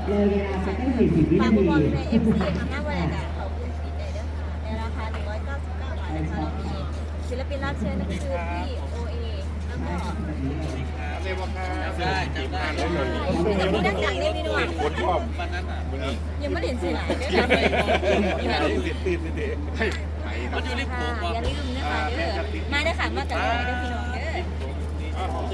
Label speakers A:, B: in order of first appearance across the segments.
A: เลยเวลาไปแค่40 วิ
B: ฝาก
A: นา
B: คูปอง
A: ที
B: ใน FC ทำหน้าบริการเขาคุณสีใจด้วยค่ะในราคา199 บาทนะคะเรามีศิลปินรับเชิญนั่นคือพี่โอเอแล้วก็
C: ได้จำได้
B: พี่ดังจังเนี่ยพี่นุ่ม
C: คนชอบวันนั้นอ่ะ
B: ยังไม่เห็นสื่อไหนด้วย
C: ยัง
B: ค่ะ
C: ไม่ติดเด็กมันอยู่ในผ
B: ค่ะ
C: มว่า
B: อย่าลืมนะคะเด้อมาได้ค่ะมาจากไหนเด้อพี่น้องเด้อ
C: พรุ่ง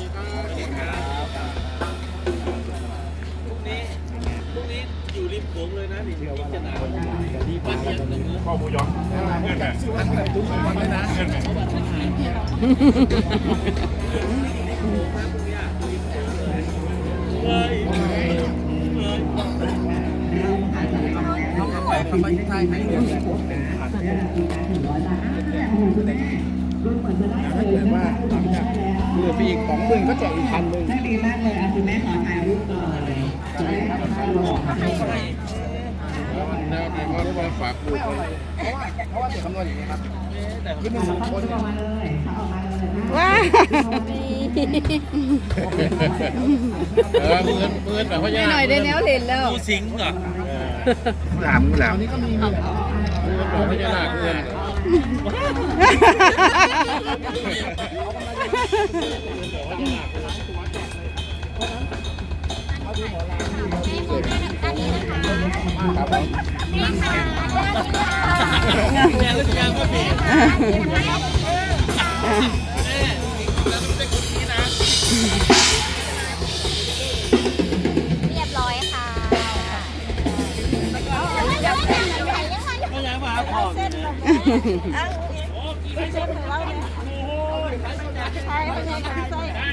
C: นี้อยู่ริมโขงเลยนะนี่พิจารณาวันเดียวตรงนี้ข้อมูลย้อนเงื่อนแบบท่านแบบทุกวันเลยนะเงื่อนแบบเขาเข้าไปใต้ไหนเนี่ยถ้าเกิดว่าหลังจากเหลือปีอีก20,000ก็แจกอีก1,000
A: ได้ดีมากเลยคุณแม่ขอถ่ายรูปก่อนจะได้รับค่าลงค่ะ
C: แล้วก็ได้มาฝากดูเพราะว่าเดี๋ยวคำนวณอย่างนี้ครับคือหนึ่งคน
A: ออกมาเลยออกมาเลย
D: ว้า
C: เงินแบบว่า
D: ไม่หน่อยได้แนวเห็นแล้ว
C: กูสิงเหรอหลามนี่ก็มีแบบพญานาคเงินแม่รู้จักว่าพี่
B: เรียบร้อยค่ะ
C: ไม่อยากมาพ่อเนี่ย
B: เชฟของเราเนี่ยใช่ไม่ใช่ค่ะ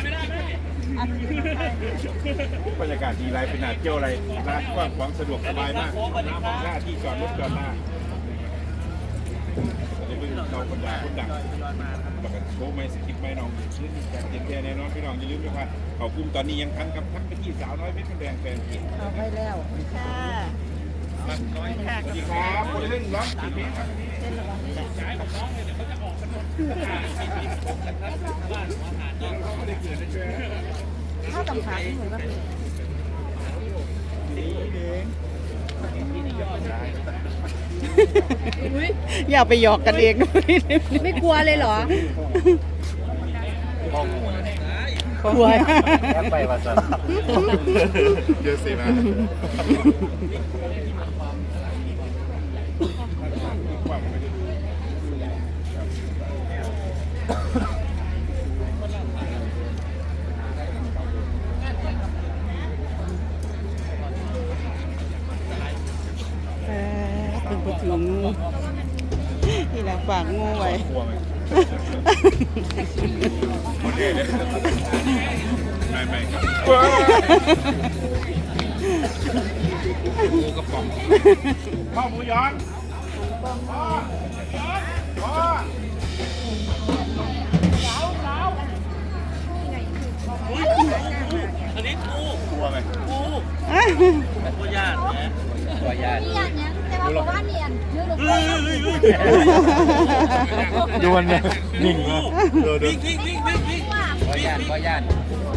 E: บรรยากาศดีไรเป็นหนาเที่ยวอะไรร้านกว้างขวางสะดวกสบายมากหน้าที่จอดรถจอดหน้าในเบื้องเราคนดังแบบโชว์ไม่สกิปไม่น้องชื่นการเตียนแค่แน่นอนพี่น้องอย่าลืมนะครับเขากลุ่มตอนนี้ยังทันกับทักไปที่สาวน้อยเพชรแดงแฟนเพจ
D: เอาไปแล้ว
B: ค่ะ
E: สวัสดีครับคนเล่นร้องกี่เพลงครับ
D: ถ้าตำขาที่เหมือนว่า อย่าไปหยอกกันเองไม่กลัวเลยเหรอกลัว
C: ไปวัดสันเยอะสินะ
D: ถึงไปถึงงูนี่แหละฝากงูไว้
E: กลัวไหมโอเคเลยไม่ครับกูกระป๋องข้าวหมูย้อน
C: อันนี้กู
E: กลัวไหม
C: กูกูญาตินะกูญาติ
B: นี่อย่างเนี้ยแต่ว่าบอกว่าเนียนยืดลงไป
E: โยนเลยนิ่งเลย
C: วิ่งกูญาติกูญาติ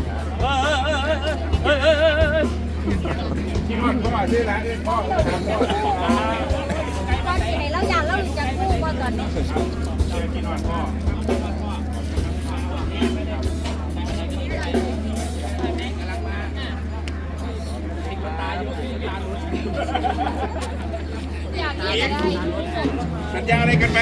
E: ที่มันเข้ามาที่ร้านนี้พ่อทำพ่อ
B: ตอนที่ไหนเราอยากเราจะกู้มาก่อนเนี่ย
E: ที่นอนพ่อ
B: อยากเรียนได้
E: สัญญาอะไรกันไหม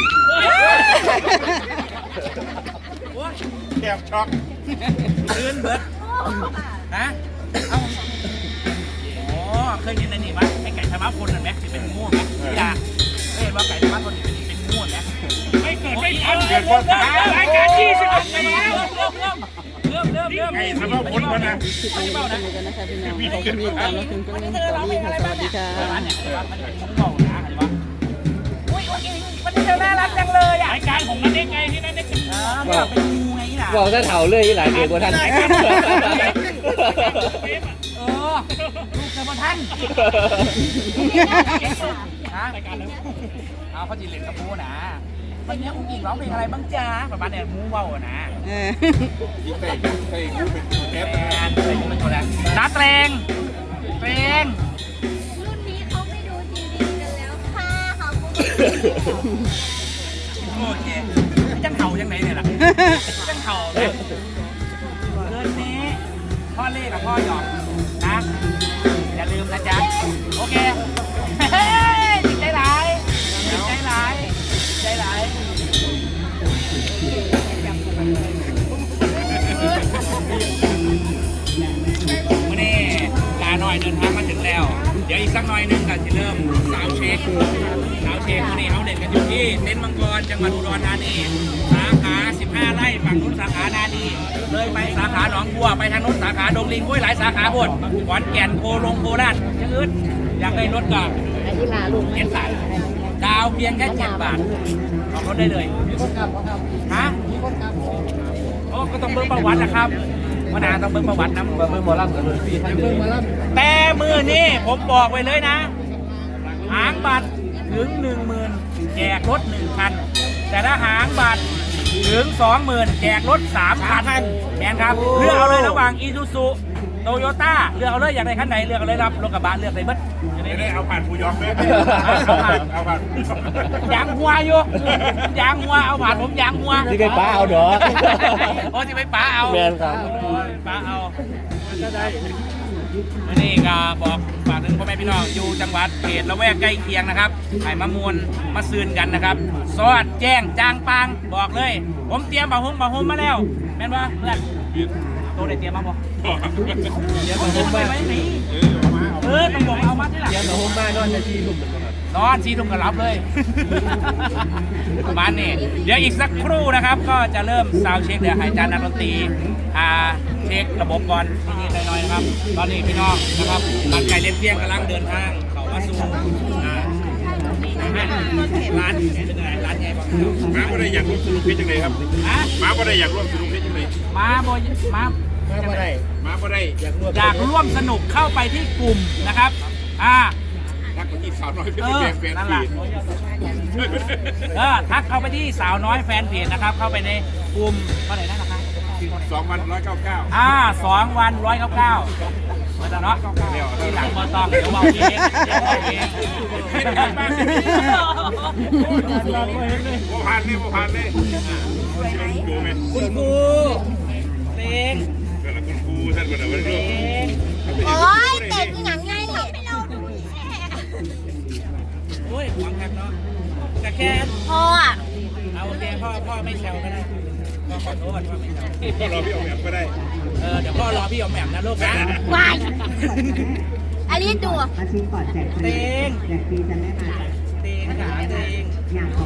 E: แอบช็อก
C: ลื่นเบิดฮะเอ้าอ๋อเคยเห็นในนี่มั้ยไอ้ไก่ธรรมะพลนั่นไหมที่เป็นง่วงไหมอย่าเคยเห็นว่าไก่ธรรมะพลนี่เป็นง่วงไหมไม่เกิดไม่ทันเกิดว่ารายการ20ปีแล้วเริ่ม
E: ไอ้ทำเอาพ้นมานะ
D: กันนะคะพี่น้องใครที่มีตามรับชมก็เล่นต่อดีค่ะสวัสดีค่ะ
C: มันเป็นง่วงนะอะไรวะอุ้ยมันเธอน่ารักจังเลยอ่ะรายการของนั่นเองไงที่นั่นเองเป็นงูไงล่ะ
F: บอกถ้าเถาเลยหลายเดือนกว่าท่าน
C: ลูกเจ้าท่านฮะเอาเขาจีเล่นกับมูนะวันนี้อุ้งอิงร้องเพลงอะไรบ้างจ๊ะประมาณเนี่ยมูเบานะ
E: ยิ่งใส่กูเป็นแก๊ส
C: แอนอะไรก็เป็นตัวแรกน้าเตรงโอเคจังเห่ายังไงเนี่ยล่ะจังเห่าเนี่ยเดือนนี้พ่อเล่กับพ่อหยอกนะอย่าลืมนะจ๊ะโอเคจิตใจร้ายจิตใจร้ายใจร้ายวันนี้ลาหน่อยเดินทางมาถึงแล้วเดี๋ยวอีกสักหน่อยนึงก็จะเริ่มสาวเช็ควันนี้เขาเด่นกันอยู่ที่เต็นท์มังกรจังหวัดอุดรธานีสาขา15ไร่ฝั่งนู้นสาขานาดีเลยไปสาขาหนองบัวไปทางนู้นสาขาดงลิงหลายสาขาหมดขอนแก่นโคราชยังอื่นอยากได้รถก็เก็บสายดาวเพียงแค่7 บาทออกรถได้เลยฮะโอ้ก็ต้องเบิ่งประวัตินะครับวันนาต้องเบิ่งประวัตินะเบิ่งหมอลำกันเลยพี่แต่มือนี้ผมบอกไว้เลยนะหางบัตรถึง 10,000 แจกรถ1 คันแต่ถ้าหางบัตรถึง 20,000 แจกรถ3 คันแมนครับเลือกเอาเลยระหว่างอีซูซุโตโยต้าเลือกเอาเลยอยากได้คันไหนเลือกเอาเลยรับรถกระบะเลือกเลยเบิด
E: ไม่ได้เอาผ่านผู้ยอมไหมเอาผ่าน
C: ยางหัวอยู่ยางหัวเอาผ่านผมยางหัว
F: ที่ไปป้าเอาดอก
C: โอ้ที่ไปป้าเอา
F: แมนครับ
C: ป้าเอานี่ก็บอกฝากถึงพ่อแม่พี่น้องอยู่จังหวัดเขตละแวกใกล้เคียงนะครับให้มามวลมาซืนกันนะครับสอดแจ้งจางปางบอกเลยผมเตรียมบะฮงมาแล้วแม่นบ่เพื่อนโตได้เตรียมมาบ่เดี๋ยวบะฮงไปไหมนี่ต้องบอกเอามาที่หลัง
F: เดี๋ยวเราโฮมบ้านนอนจะชี้ลุ่ม
C: นอนชี้ทุ่มกันรับเลยประมาณนี้เดี๋ยวอีกสักครู่นะครับก็จะเริ่มซาวด์เช็คเดี๋ยวให้อาจารย์นักดนตรีเช็คระบบก่อนนิดๆหน่อยๆนะครับตอนนี้พี่น้องนะครับร้านไก่เลี้ยงเพียงกำลังเดินทางเข้ามาสู่ร้านเป็นไงร้านใหญ่บ้าง
E: ม้าก็ได้อยากร่วมสนุกเพชรจังเลยครับ
C: ฮะ
E: ม้าก็ได้อยากร่วมสนุกเพชรจังเลย
C: มาบ่มา
F: ไม่ได้
E: ม้าก็ได้อยากร่วม
C: อยากร่วมสนุกเข้าไปที่กลุ่มนะครับ
E: ทักไปที่สาวน้อยเพชร แฟน
C: นั่น
E: เพ
C: แหละ
E: จ
C: ทักเข้าไปที่สาวน้อยแฟนเพจนะครับเข้าไปในกลุ่มเท่าไหร่นะราคา
E: 2 วัน 199
C: 2 วัน 199เหมือนกันเนาะที่หลังบอต้องเดี๋ยวบอกพี่เอง
E: โมผ่านเลยดูไหม
C: คุณครูเต็ง
E: เกิดคุณครูท่านคนไหนวันนี้
B: โอ้ยเต็งหนังไงเนี่ย
C: โอ้ยหวังกันเนาะแต่แค่
B: พ่ออ่ะ
C: เอาโอเคพ่อไม่แซวก็ได้พ่อขอโทษพ่อไม่แซว
E: พ่อเราพี่ออกแบบก็ได้
C: เดี๋ยวพ่อรอพี่ออมแหม่มนะลูกนะ
B: วายอันนี้ดู
A: มาชิมก่อนแจกฟรีแจกฟรีจะไม่มา
C: เต็งขาเต็ง
A: อยาก